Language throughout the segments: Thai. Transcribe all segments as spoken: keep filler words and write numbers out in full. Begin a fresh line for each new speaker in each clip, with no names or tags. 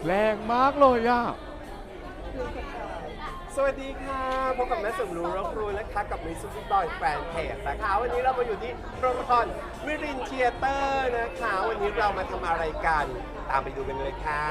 แรงมากเลยอ่ะ
สวัสดีค่ะพบกับแม่สมรู้รบรู้นะคะกับมิสซิสบอยแฟนเพจนะคะวันนี้เรามาอยู่ที่โรงละครมิรินเทียเตอร์นะคะวันนี้เรามาทำอะไรกันตามไปดูกันเลยค่ะ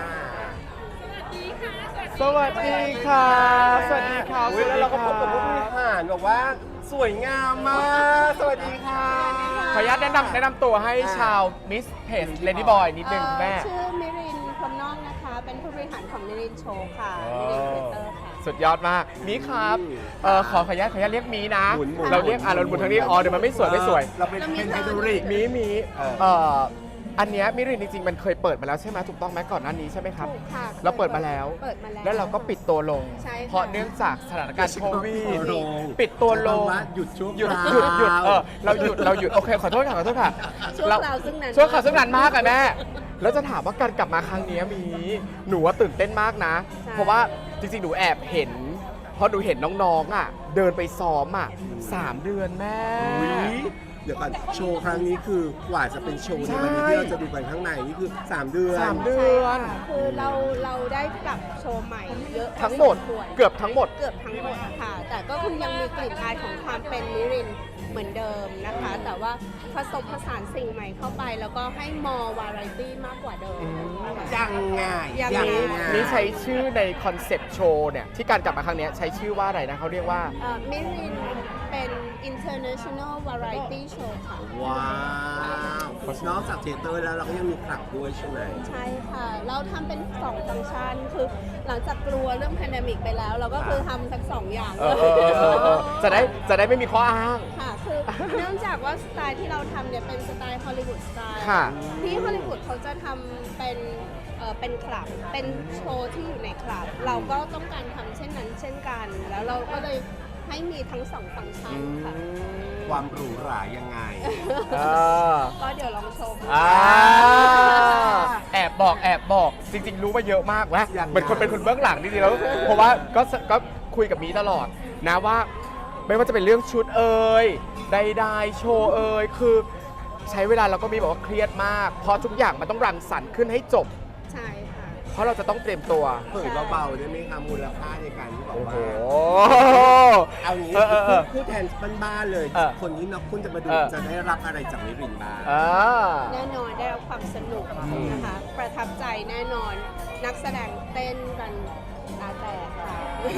สวัสดีค่ะ สวัสดีค่ะ
เวลาเราก็พบกับผู้บริหารบอกว่าสวยงามมากสวัสดีค่ะ
ขออนุญาตแนะนำแนะนำตัวให้ชาวมิสเพจเลดี้บอยนิดนึงแม่
ชื่อมิรินพรหมนอกนะคะ เป็นผู้บริหารของมิรินโชว์ค่ะมิรินครีเอเตอร์ค่ะ
สุดยอดมากมีครับเออขอขออนุญาตขออนุญาตเรียกมีนะ
หมุนหมุน
เราเรียกอ่ะเราหมุนทางนี้อ๋อเดี๋ยวมันไม่สวยไม่สวย
เราเป็นเป็นไฮโดรลิก
มีมี
เออ
เอ่ออันเนี้ยมิรินจริงๆมันเคยเปิดมาแล้วใช่ไหมถูกต้องไหมก่อนหน้านี้ใช่ไหมครับ
ถูกค่ะ
เราเปิดมาแล้ว
เปิดมาแล้ว
แล้วเราก็ปิดตัวลง
ใช่ค่ะ
เพราะเนื่องจากสถานการณ์โควิด
ปิดตัวลง
ปิดตัวลง
ว่าหยุดชั่ว
หยุด
คราว
หยุดหยุดเออเราหยุดเราหยุดโอเคขอโทษค่ะขอโทษค่ะ
ช่วง
เรา
คราวซึ่งนาน
ช่วงคราวซึ่งนานมากอะแม่แล้วจะถามว่าการกลับมาครั้งเนี้ยมีหนูว่าตื่นเต้นมากนะ เพราะว่าจริงๆหนูแอบเห็นเพราะหนูเห็นน้องๆอ่ะเดินไปซ้อมอ่ะสามเดือนแม่
อุ๊ยเดี๋ยวก่อนโชว์ครั้งนี้คือกว่าจะเป็นโชว์ในวันนี้
ใช่
ที่เราจะดูกันข้างในนี่คือสามเดือน
สามเดื
ใช่
อน
ค่ะคือเราเราได้ปรับโชว์ใหม่เยอะ
ทั้งหมด
พอสควร
เกือบทั้งหมด
เกือบทั้งหมดค่ะ แต่ก็คือยังมีกลิ่นอายของความเป็นมิรินเหมือนเดิมนะคะ แต่ว่าผสมผสานสิ่งใหม่เข้าไป แล้วก็ให้มอวาไรตี้มากกว่าเดิมค่ะ
ยังไง
ยังไง
ไง
นี่ใช้ชื่อในคอนเซปต์โชว์เนี่ยที่การกลับมาครั้งเนี้ยใช้ชื่อว่าอะไรนะเขาเรียกว่า
มิรินเป็น international variety show ค่ะ
ว้าวนอกจากเทเตอร์แล้วเราก็ยังมีคลับด้วยใช่ไหม
ใช่ค่ะ เราทำเป็นสองฟังก์ชัน คือหลังจากกลัวเรื่องแพนเดมิกไปแล้ว เราก็คือทำทั้งสองอย่าง
เออเออเออเออเออจะได้จะได้ไม่มีข้ออ้าง
ค่ะ คือเนื่องจากว่าสไตล์ที่เราทำเนี่ยเป็นสไตล์ฮอลลีวูดสไตล์
ค่ะ
ที่ฮอลลีวูดเขาจะทำเป็นเอ่อเป็นคลับ เป็นโชว์ที่อยู่ในคลับ เราก็ต้องการทำเช่นนั้นเช่นกัน แล้วเราก็เลยให้มีทั้งสองฟังก์ชันค่ะ
ความหรูหรายังไง
เออ
ก็เดี๋ยวลองชม
อ่าแอบบอกแอบบอกจริง ๆ รู้มาเยอะมากนะ
ยังไง
เหมือนคนเป็นคนเบื้องหลังจริงๆแล้วเพราะว่าก็ก็คุยกับมีตลอดนะว่า ไม่ว่าจะเป็นเรื่องชุดเอ่ยใดๆโชว์เอ่ยคือใช้เวลาเราก็มีบอกว่าเครียดมาก เพราะทุกอย่างมันต้องรังสรรค์ขึ้นให้จบ
ใช่ค่ะ
เพราะเราจะต้องเตรียมตัว
เผยเบาๆได้ไหมคะมูลค่าในการที่บอก
โอ้
ว่า
โห
เอางี้
เออเออเออ
พูดแทนบ้านๆเลย
เออ
คนที่นักคุณจะมาดู
เออ
จะได้รับอะไรจากมิรินบ้าง
อ่า
แน่นอนได้รับความสนุกนะคะ ประทับใจแน่นอน นักแสดงเต้นกันตาแตกค่ะ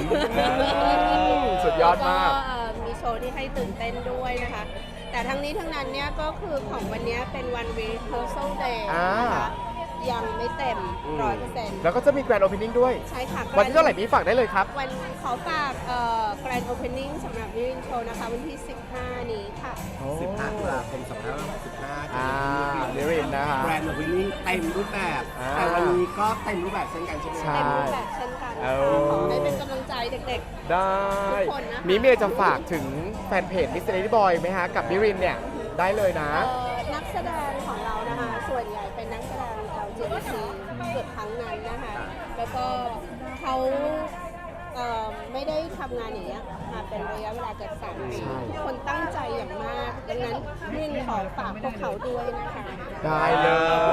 สุดยอดมาก
แล้วเอ่อมีโชว์ที่ให้ตื่นเต้นด้วยนะคะ แต่ทั้งนี้ทั้งนั้นเนี่ยก็คือของวันนี้เป็นวัน rehearsal day
อ่า
นะคะยังไม่เต็ม
อืม
ร้อยเปอร์เซ็นต์
แล้วก็จะมีแกรนด์โอเพนนิ่งด้วย
ใช่ค่ะ
วันที่เท่าไหร่มีฝากได้เลยครับ
วันขอฝากเอ่อ grand opening สำหรับมิรินโชว์นะคะ วันที่ สิบห้า นี้ค่ะ
สิบห้าตุลาคมสองพันห้าร้อยหกสิบห้า
อ่ามิรินนะคะ
แบรนด์วินนิ่งเต็มรูปแบบ
อ่า
แต่วันนี้ก็เต็มรูปแบบเช่นกันใช่ไหม
ใช่
เต็มรูปแบบเช่นกัน
เอ
ค่ะ
อ
ขอให้เป็นกำลังใจเด็ก
ได้
ทุกคนนะคะ
มีเมียจะฝากถึงแฟนเพจมิสเตอร์ Lady Boy ไหมฮะ กับมิรินเนี่ย ได้เลยนะ
ๆเอ่อนักแสดงของเรานะคะ ส่วนใหญ่เป็นนักแสดง แอล จี บี ที เกือบทั้งนั้นนะคะ แล้วก็เขาเอ่อไม่ได้ทำงานอย่างเงี้ยมาเป็นระยะเวลาเกือบสามปี
ใช่
ทุกคนตั้งใจอย่างมาก ดังนั้นมิรินขอฝากพวกเขาด้วยนะคะ
ได้เลย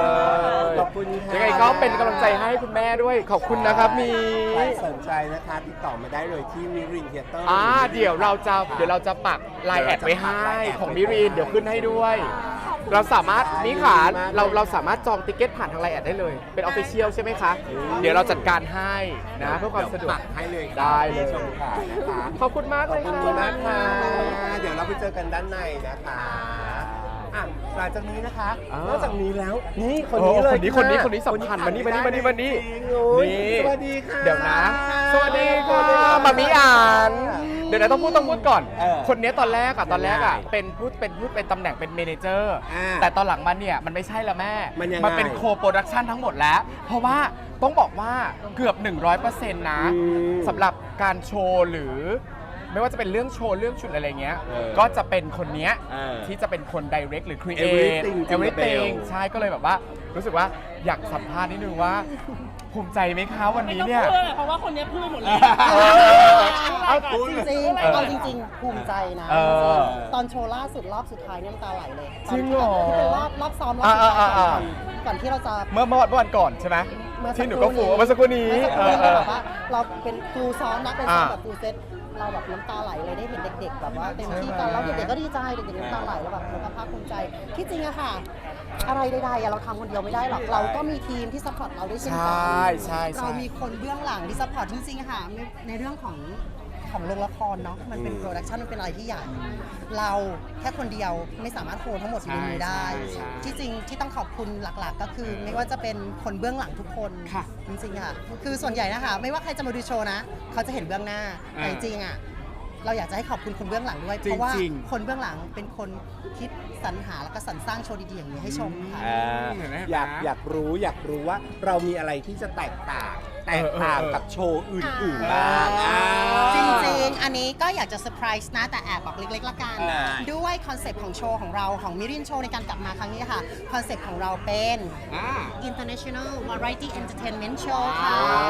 ขอบคุณค่ะ
ยังไงก็เป็นกำลังใจให้คุณแม่ด้วย ขอบคุณนะครับมี
ใครสนใจนะคะติดต่อมาได้เลยที่มิรินเทเตอร์
อ่าเดี๋ยวเราจะเดี๋ยวเราจะปักไลน์แอดไว้ให้ของมิรินเดี๋ยวขึ้นให้ด้วย เราสามารถนี่ขาเราเราสามารถจองติเกตผ่านทางไลน์แอดได้เลย เป็นออฟฟิเชียลใช่ไหมคะ เดี๋ยวเราจัดการให้นะเพื่อความสะดวก
ปักให้เลย
ได้เลย
ชมค่ะนะคะ
ขอบคุณมาก
ขอ
เล
บ
ย
คุณ
ค่ะ
มากค่ะเดี๋ยวเราไปเจอกันด้านในนะคะอ่ะหลังจากนี้นะคะ
อ่าน
นอกจากนี้แล้วนี่คนนี้เลย
โอ้คนนี้คนนี้คนนี้สำคัญมานี่มานี่มานี่มานี่
นี่
นี่
สวัสดีค่ะ
เดี๋ยวนะ สวัสดีค่ะมามิอ่านเดี๋ยวนะต้องพูดต้องพูดก่อน
เออ
คนนี้ตอนแรกอะตอนแรกอะ
ยังไง
เป็นพูดเป็นพูดเป็นตำแหน่งเป็นเมเนเจอร์
อ่า
แต่ตอนหลังมาเนี่ยมันไม่ใช่แล้วแม่
มันยังไง
เป็นโคโปรดักชันทั้งหมดแล้ว เพราะว่าต้องบอกว่าเกือบ หนึ่งร้อยเปอร์เซ็นต์ นะ
อืม
สำหรับการโชว์หรือ ไม่ว่าจะเป็นเรื่องโชว์เรื่องชุดอะไรเงี้ย
เออ
ก็จะเป็นคนเนี้ย
เออ
ที่จะเป็นคน direct หรือ create
Everything
everything
Jingle Bell
ใช่ก็เลยแบบว่า รู้สึกว่าอยากสัมภาษณ์นิดนึงว่า ภูมิใจไหมคะวันนี้เนี่ย
ไม่ต้องพูดเลยเพราะว่าคนนี้พูดหมดเลย
เออเอา
พูด
จริง
เออ
ๆเอาจริง ๆ ภูมิใจนะ
เออ
ตอนโชว์ล่าสุดรอบสุดท้ายเนี่ยน้ำตาไหลเลย
จริงเหรอ
ที่เป็นรอบรอบซ้อมรอบสุดท้าย
อ่าอ่าอ่า
ก่อนก่อนที่เราจะ
เมื่อเมื่อวันเมื่อวันก่อนใช่ไหม
เมื่อ
ที่หนูก็ฟูเมื่อสักครู่นี้
เมื่อสักครู่นี้
เออ
แบบว่าเราเป็นฟูลซ้อนนะเป็นซ้อน
อ่า
แบบฟูลเซตเราแบบน้ำตาไหลเลยได้เห็นเด็ก ๆ แบบว่าเต็มที่กันแล้วเด็กๆก็ดีใจเด็กๆน้ำตาไหลแล้วแบบเราก็ภาคภูมิใจที่จริงอะค่ะ อะไรใดๆอะเราทำคนเดียวไม่ได้หรอกเราก็มีทีมที่ซัพพอร์ตเราด้วยเช่น
ใช
กั่ น
ใช่ใช่
เรามีคนเบื้องหลังที่ซัพพอร์ตจริงๆอะค่ะในในเรื่องของของโรงละครเนาะมันเป็นโปรดักชันมันเป็นอะไรที่ใหญ่เราแค่คนเดียวไม่สามารถโฮทั้งหมดอยู่ในมือได้
ใช่ใช่
ที่จริงที่ต้องขอบคุณหลักๆ ก็คือไม่ว่าจะเป็นคนเบื้องหลังทุกคน
ค่ะ
จริงๆค่ะคือส่วนใหญ่นะคะไม่ว่าใครจะมาดูโชว์นะเขาจะเห็นเบื้องหน้าแต่
อ่า
จริงๆอ่ะเราอยากจะให้ขอบคุณคนเบื้องหลังด้วย
จริงๆ
เพราะว่าคนเบื้องหลังเป็นคนคิดสรรหาแล้วก็สรรสร้างโชว์ดีๆอย่างนี้ให้ชมค่ะ
อ่า
เห็นไหม
อยากอยากรู้อยากรู้ว่าเรามีอะไรที่จะแตกต่าง แตกต่าง
เออเออ
กับโชว์อื่นๆบ้าง
อ่า
จริงๆ อันนี้ก็อยากจะเซอร์ไพรส์นะ แต่แอบบอกเล็กๆ ละกัน
ได้
ด้วยคอนเซปต์ของโชว์ของเราของมิรินโชว์ในการกลับมาครั้งนี้ค่ะ คอนเซปต์ของเราเป็น
อ่า
International Variety Entertainment Show ค่ะ
ว้าว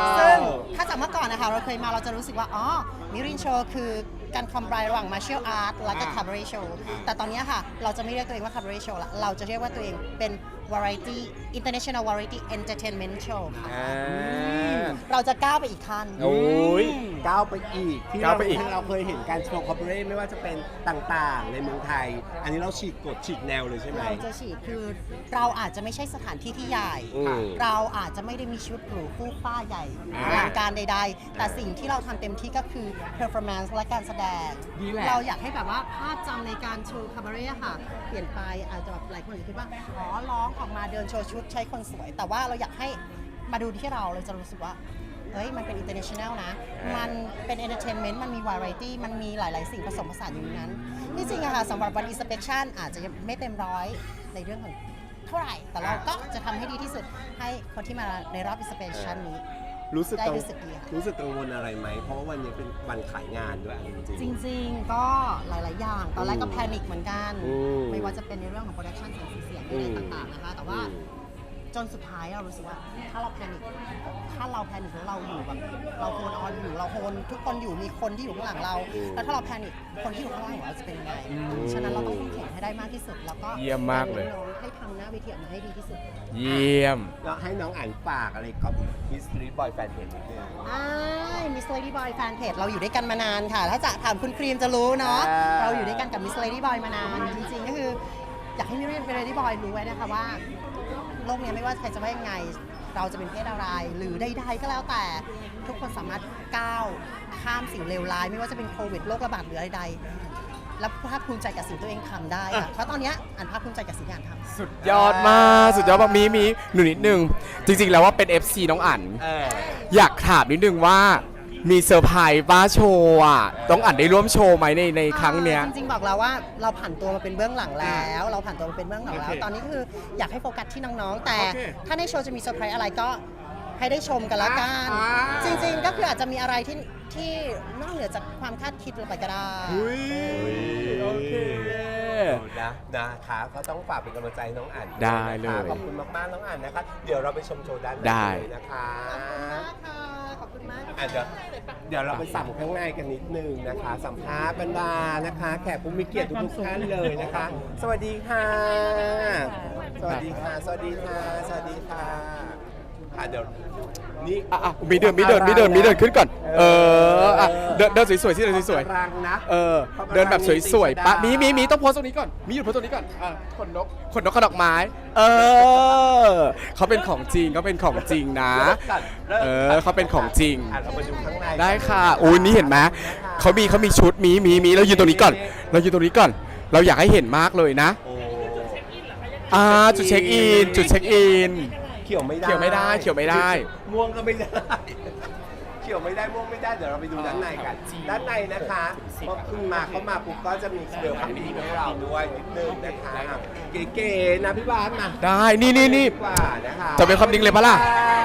ซึ่งถ้าจากเมื่อก่อนนะคะ เราเคยมาเราจะรู้สึกว่า อ๋อ มิรินโชว์คือการคอมไบระหว่าง Martial Art และก็ Cabaret Show แต่ตอนนี้ค่ะ เราจะไม่เรียกตัวเองว่า Cabaret Show ละเราจะเรียกว่าตัวเองเป็น Variety International Variety Entertainment Show ค่ะ
อ่า
เราจะก้าวไปอีกขั้น
โอ้ยก้าวไปอีกที่
ก้า
เรา
วไปอีก
ที่เราเคยเห็นการโชว์คอร์ปอเรทไม่ว่าจะเป็นต่างๆ ในเมืองไทย อันนี้เราฉีกกฎฉีกแนวเลยใช่ไหม
เราจะฉีดคือเราอาจจะไม่ใช่สถานที่ที่ใหญ่
อืม
เราอาจจะไม่ได้มีชุดหรูคู่ฟ้าใหญ่
อ่า
อลังการใด ๆ แต่สิ่งที่เราทำเต็มที่ก็คือ performance และการแสดง
ดีแหละ
เราอยากให้แบบว่าภาพจำในการโชว์คาบาเร่ค่ะ เปลี่ยนไปอาจจะแบบหลายคนอาจจะคิดว่า อ๋อ ร้องออกมาเดินโชว์ชุดใช้คนสวย แต่ว่าเราอยากให้มาดูที่เราเราจะรู้สึกว่า เฮ้ย มันเป็น international นะ มันเป็น entertainment มันมี variety มันมีหลาย ๆ สิ่งผสมผสานอยู่ในนั้นที่จริงอะค่ะสำหรับวัน inspection อาจจะยังไม่เต็มร้อยในเรื่องของเท่าไหร่ แต่เราก็จะทำให้ดีที่สุดให้คนที่มาในรอบ inspection นี้
รู้สึก
ได้
กัง
รู้สึกดีค่ะ
รู้สึกกังวลอะไรไหม เพราะว่าวันนี้เป็นวันขายงานด้วยจริง
จริง ๆ ก็หลาย ๆ อย่าง ตอนแรกก็แพนิคเหมือนกัน
อืม
ไม่ว่าจะเป็นในเรื่องของโปรดักชันเสียงสีเสียง
อื
อะไร
ม
ต่าง ๆ นะคะ แต่ว่า
อืม
จนสุดท้ายเรารู้สึกว่าถ้าเราแพนิคถ้าเราแพนิคแล้วเราอยู่แบบเราโฮนออนอยู่เราโฮนทุกคนอยู่มีคนที่อยู่ข้างหลังเรา แล้วถ้าเราแพนิคคนที่อยู่ข้างหลังของเราจะเป็นยังไง ฉะนั้นเราต้องเข้มแข็งให้ได้มากที่สุด แล้วก็
เยี่ยมมากเลย
น้องๆให้ทำหน้าเวทีออกมาให้ดีที่สุด
เยี่ยม
แล้วให้น้องอ่านฝากอะไรกับมิสทรีบอยแฟนเพจนิดนึง
อ่ามิส Lady Boy แฟนเพจเราอยู่ด้วยกันมานานค่ะ ถ้าจะถามคุณครีมจะรู้เนาะ
อ่า
เราอยู่ด้วยกันกับมิส Lady Boy มานาน จริงๆ ก็คืออยากให้มิส Lady Boy รู้ไว้นะคะว่า โลกนี้ไม่ว่าใครจะว่ายังไง เราจะเป็นเพศอะไร หรือใดๆก็แล้วแต่ทุกคนสามารถก้าวข้ามสิ่งเลวร้าย ไม่ว่าจะเป็นโควิดโรคระบาดหรืออะไรใดๆและภาคภูมิใจกับสิ่งตัวเองทำได้ค่ะเพราะตอนเนี้ยอันภาคภูมิใจกับสิ่งที่อันทำ
สุดยอดมาก สุดยอดมากมีมีหนูนิดนึง จริง ๆ แล้วว่าเป็น เอฟ ซี น้องอั๋น
เออ
อยากถามนิดนึงว่ามีเซอร์ไพรส์ป้าโชว์อ่ะต้องอั๋นได้ร่วมโชว์ไหมในในครั้งเนี้ย
จริงๆบอกแล้วว่าเราผ่านตัวมาเป็นเบื้องหลังแล้ว เราผ่านตัวมาเป็นเบื้องหลังแล้ว
โอเค
ตอนนี้คืออยากให้โฟกัสที่น้องๆ แต่
โอเค
ถ้าในโชว์จะมีเซอร์ไพรส์อะไรก็ให้ได้ชมกันละกัน
อ่า
จริงๆก็คืออาจจะมีอะไรที่ที่นอกเหนือจากความคาดคิดเราไปก็ได้
อุ้ยโอเค
นะนะคะก็ต้องฝากเป็นกำลังใจให้น้องอ่าน
ได้เลย
ขอบคุณมากๆน้องอ่านนะคะ เดี๋ยวเราไปชมโชว์ด้านใน
ได้
เลยนะคะ
ขอบคุณมาก
อ่ะเดี๋ยวเดี๋ยวเราไปสัมข้างในกันนิดนึงนะคะ สัมภาษณ์บรรดานะคะ แขกผู้มีเกียรติทุกๆท่านเลยนะคะ สวัสดีค่ะ สวัสดีค่ะ สวัสดีค่ะ สวัสดีค่ะอ่ะเดี๋ยวนี่
อ่ะอ่ะมีเดินมีเดินมีเดินมีเดินขึ้นก่อน เอออ่ะเดินเดินสวยๆที่เดินสวย
รังนะ
ๆเออเดินแบบสวยๆปะมีมีมีต้องโพสตรงนี้ก่อนมีหยุดโพสตรงนี้ก่อนอ่ะขนนกขนนกขนดอกไม้ เออเขาเป็นของจริงเขาเป็นของจริงนะ เออเขาเป็นของจริง
อ่ะเราไปดูข้างใน
ได้ค่ะอุ้ยนี่เห็นไหมเขามีเขามีชุดมีมีมีเรายืนตรงนี้ก่อน เรายืนตรงนี้ก่อน เราอยากให้เห็นมากเลยนะ
โอ้
อ่าจุดเช็คอินจุดเช็คอิน
เขียวไม่ได้
เขียวไม่ได้เขียวไม่ได้
ม่วงก็ไม่ได้ เขียวไม่ได้ม่วงไม่ได้เดี๋ยวเราไปดูด้านในกัน ด้านในนะคะพอคุณมาเขามาปุ๊บก็จะมีเบลคัมมิ่งให้เราด้วยนิดนึงนะคะเก๋ๆนะพี่บาสมา
ได้นี่นี่นี่
ดีกว่านะคะ
จะเป็นความดิ้งเลยปะล่ะ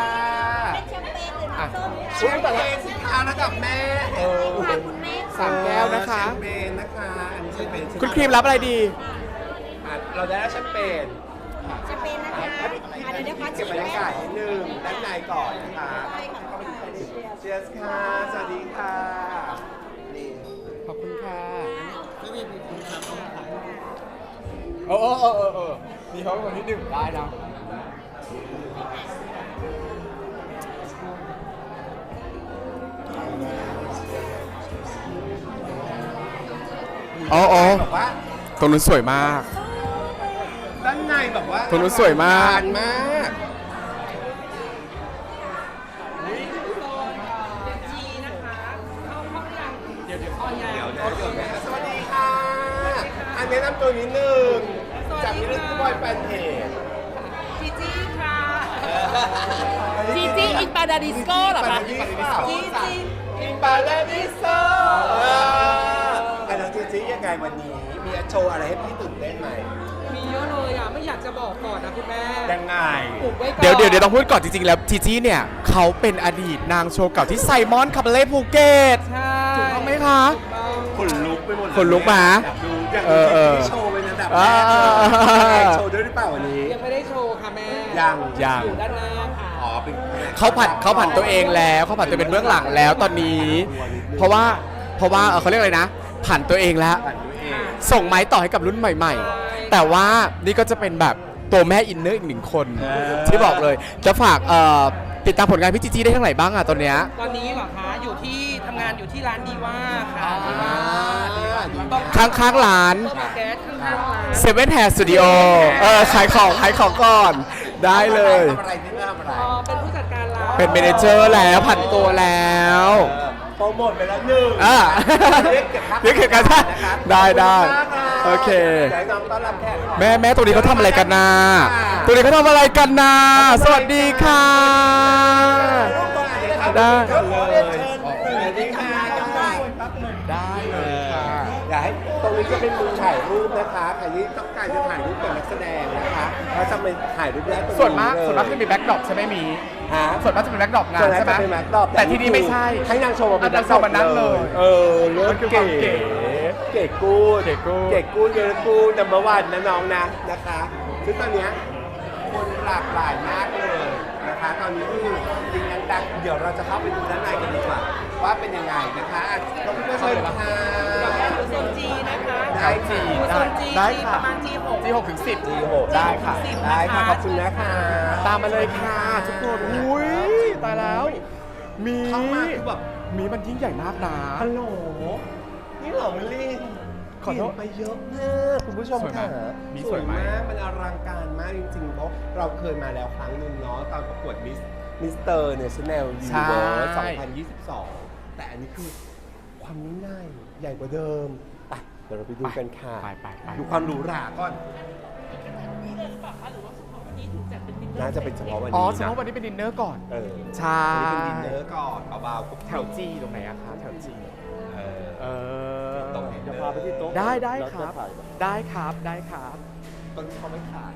อ่ะอุ้ยแต่ละสินค้าระดับแม่เออ
สามแก้วนะคะ
แชมเปญนะคะอันนี้แชมเปญใช่ไห
คุณครีมรับอะไรดี
อ่ะเราได้แล้วแชมเปญ
จะเป็นนะคะอ่ะเดี๋ยวนะคะ
เก็บบรรยากาศนิดนึงด้านในก่อนนะคะเชียร์ค่ะ สวัสดีค่ะนี่
ขอบคุณค่ะโอ้โอ้โอ้โอ้โอ้มีเขาเป็นคนที่หนึ่งได้นะอ๋ออ๋อ
แบบว่า
ตรงนู้นสวยมาก
ด้านในแบบว่า
ตรงนู้นสวยมาก
อลังรมากเดี๋ยวเดี๋ยวเดี๋ยวนะเดี๋ยวนะสวัสดีค่ะ อันแนะนำตัวนิดนึงจากมิสซิสบอยแฟนเพจ
จีจี้ค่ะจีจี้อินปาดาดิสโก้เหรอคะจีจี้
อินปาราดิโซอันนั้นจีจียังไงวันนี้ มีโชว์อะไรให้พี่ตื่นเต้นไหม
มีเยอะเลยอ่ะ ไม่อยากจะบอกก่อนนะคุณแม่
ยังไง
อุบไว้ก่อน
เดี๋ยวเดี๋ยวเดี๋ยวต้องพูดก่อนจริงๆ แล้วจีจี้เนี่ยเขาเป็นอดีตนางโชว์เก่าที่ไซมอนคาบาเล่ภูเก็ต
ใช่
ถูกต้องไหมคะ
ถูกต้อง
ขนลุกไปหมดเลย
ขนลุกมา
อยากดูอยาก
เอ
ดู
อเออ
ที่โชว์เป็นอันดับแร
อ่า
กเลยโชว์ด้วยหรือเปล่าวันนี้
ยังไม่ได้โชว์ค่ะแม่
ยัง
ยัง
อยู่ด้านหน้าค่ะ
อ๋อเป็น
เขาผันเขาผันตัวเองแล้วเขาผันตัวเป็นเบื้องหลังแล้วตอนนี้ เพราะว่าเพราะว่าเอ่อเขาเรียกอะไรนะ ผันตัวเองแล้ว
ผันตัวเอง
ส่งไม้ต่อให้กับรุ่นใหม่ ๆ แต่ว่านี่ก็จะเป็นแบบตัวแม่อินเนอร์อีกหนึ่งคน
เออ
ที่บอกเลย จะฝากเอ่อติดตามผลงานพี่จีจี้ได้ทั้งไหนบ้างอะตอนเนี้ย
ตอนนี้เหรอคะ อยู่ที่ทำงานอยู่ที่ร้านดีว่าค่ะดีว่า
ต้อง
ข้างข้างๆร้าน
ต้องมาแก๊สข้างๆร้าน
เซเว่นแฮร์สตูดิโอเออขายของขายของก่อน ได้เลย
ทำอะไรที่ไม่ทำอะไร
อ๋อเป็นผู้จัดการร้าน
เป็นเมเนเจอร์แล้วผันตัวแล้ว
เออโปรโมทไปแล้วหนึ่ง
อ่า
เรียกเก็บค่า
เรียกเก็บค่า
นะครับ
ได้ได้
ขอบณมากรับ
โอเค
ดี๋ยวน้องต้อนรับแขก
แม่แม่ตรงนี้เขาทำอะไรกันนะตรงนี้เขาทำอะไรกันนะสวัสดีค่ะ ได้
สวัสดีค่ะ
ได้เลยค่ะ
อยากให้ตรงนี้จะเป็นมุมถ่ายรูปนะคะใครที่ต้องการจะถ่ายรูปกับนักแสดงนะคะก็จะไปถ่ายรูปได้ตรงนี้
ส่วนมาก
เลย
ส่วนมากจะมีแบ็คดรอปใช่ไหมมี
ฮะ
ส่วนมากจะเป็นแบ็คดรอปงา
ส่วน นมาก
ใช่ไหม
จะเป็นแบ็คดรอป
แต่ที่นี่ไม่ใช่
ให้นางโชว์มาเป็น
อ่ะนางโชว์มานั่งเลย
เออเลือก
มันคือความเก๋
เก๋กูด
เก๋กูด
เก๋กูดเก๋กูดนัมเบอร์วันนะน้องนะนะคะซึ่งตอนเนี้ยคนหลากหลายมากเลยนะคะ ตอนนี้คือจริงๆดังๆเดี๋ยวเราจะเข้าไปดูด้านในกันดีกว่าว่าเป็นยังไงนะคะอ่ะต้องพี่เพื่อนเชิญค่ะ
อยู่โซนจีนะคะ
ได้จี
อยู่โซนจี
ได้
จี
ค่ะ
ประมาณจีหก
จีหกถึงสิบ
จีโห
ได้ค่ะ
สิบ
ได้ค่ะ
นะคะ
ขอบคุณนะคะ
ตามมาเลยค่ะทุกคนอุ้ยตายแล้ว มี
เข้ามาคือแบบ
มีมันยิ่งใหญ่มากนะ
ฮัลโหลนี่เหรอมิลลี่
ขอโทษ
เปลี่ยนไปเยอะมากคุณผู้ชม
สวยไหม
ค่ะ
มี
ส
ส
ว
วย ยไหม
มากมันอลังการมากจริงๆเพราะเราเคยมาแล้วครั้งหนึ่งเนาะตอนประกวดมิสมิสเตอร์เนชั่นแนลยูนิเวิร์สสองพันยี่สิบสองแต่อันนี้คือความยิ่งใหญ่ใหญ่กว่าเดิมไปเดี๋ยวเราไปดูกันค่ะ
ไปไปไป
ดูความหรูหราก่อนน่าจะเป็นเฉพาะวัน
อ๋อ
นี้
เฉ
นะ
พาะวันนี้เป็นดินเนอร์ก่อน
เออ
ใช่
วันนี้เป็นดินเนอร์ก่อนเบาๆกุ๊บ
แถวจีตรงไหนอะคะแถวจี
เออ
เออ
ตรงไหน
จะพาไปที่โต๊ะ
ได้ได้
แล้ว
ค
จะ
รับ
ถ่ายแบบ
ได้ครับได้ครับ
ตรงนี้เขาไม่ขาย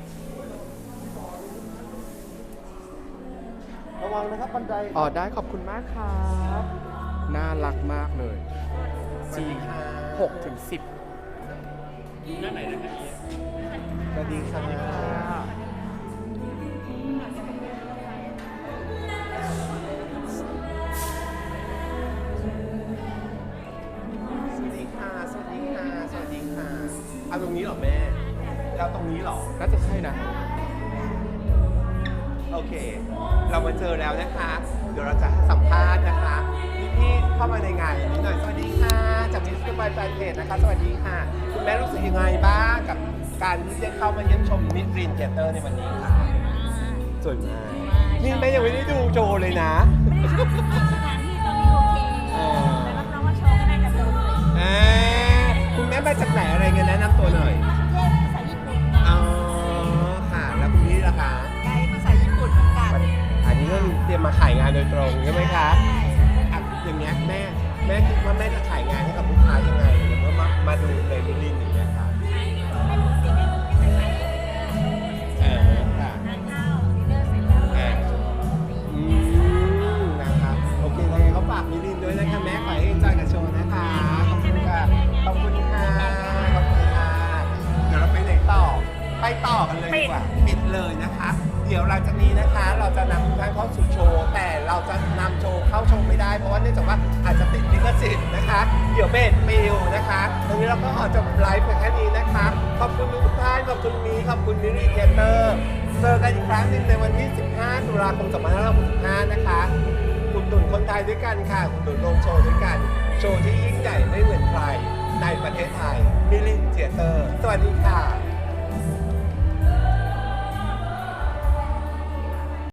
ระวังนะครับบันได
อ๋อได้ขอบคุณมากครับ น่ารักมากเลย
สวัสดีค่ะ
หกถึงสิบ
สวัสดีค่ะสวัสดีค่ะ สวัสดีค่ะ สวัสดีค่ะ เอาตรงนี้เหรอแม่เอาตรงนี้เหรอ
น่าจะใช่นะ
โอเค เรามาเจอแล้วนะคะ เดี๋ยวเราจะสัมภาษณ์นะคะพี่ๆเข้ามาในงานนิดหน่อย สวัสดีค่ะ จากมิสเตอร์บายแฟนเพจนะคะ สวัสดีค่ะ คุณแม่รู้สึกยังไงบ้างกับการที่ได้เข้ามาเยี่ยมชมมิสรินเทเตอร์ในวันนี้ค่ะสวยมากนี่แม่ยังไม่ได้ดูโจเลยนะ
สถานที่ตรงนี้โอเคแต่รับรองว่าโชว์ก็น่าจะสนุก
อ่าคุณแม่มาจากไหนอะไรเงี้ยแนะนำตัวหน่อย
เทพภาษาญี่ปุ่น
อ๋อ ค่ะ แล้วคุณพี่ล่ะคะ
ไกด์ภาษาญี่ปุ่นเหมือนกัน
อันนี้ก็เตรียมมาขายงานโดยตรงใช่ไหมคะอ่ะอย่างเงี้ยแม่แม่คิดว่าแม่จะขายงานให้กับลูกค้ายังไงหรือว่ามามาดูในมิลลินอย่างเงี้ยค่ะ
ไม่รู้สิไม่รู้ที่จะขายเอง
เออค่ะ
ทานข้าวดินเนอร์เสร็จแล้วก็ไปชมดนตรี
อืมนะครับโอเคยังไงเขาฝากมิลลินด้วยนะคะแม่ขอให้จอยกับโชว์นะคะขอบคุณค่ะขอบคุณค่ะขอบคุณค่ะเดี๋ยวเราไปไหนต่อไปต่อกันเลยดีกว่าปิดเลยนะคะ เดี๋ยวหลังจากนี้นะคะ เราจะนำทุกท่านเข้าสู่โชว์ แต่เราจะนำโชว์เข้าชมไม่ได้เพราะว่าเนื่องจากว่าอาจจะติดลิขสิทธิ์นะคะ เดี๋ยวเบสปิวนะคะตรงนี้เราก็ขอจบไลฟ์เพียงแค่นี้นะคะขอบคุณทุกท่านขอบคุณมีขอบคุณมิริเทเตอร์เจอกันอีกครั้งหนึ่งในวันที่ สิบห้า ตุลาคม สองพันห้าร้อยหกสิบห้า นะคะคุณตุ่นคนไทยด้วยกันค่ะคุณตุ่นลงโชว์ด้วยกัน โชว์ที่ยิ่งใหญ่ไม่เหมือนใครในประเทศไทยวัสดีค่ะ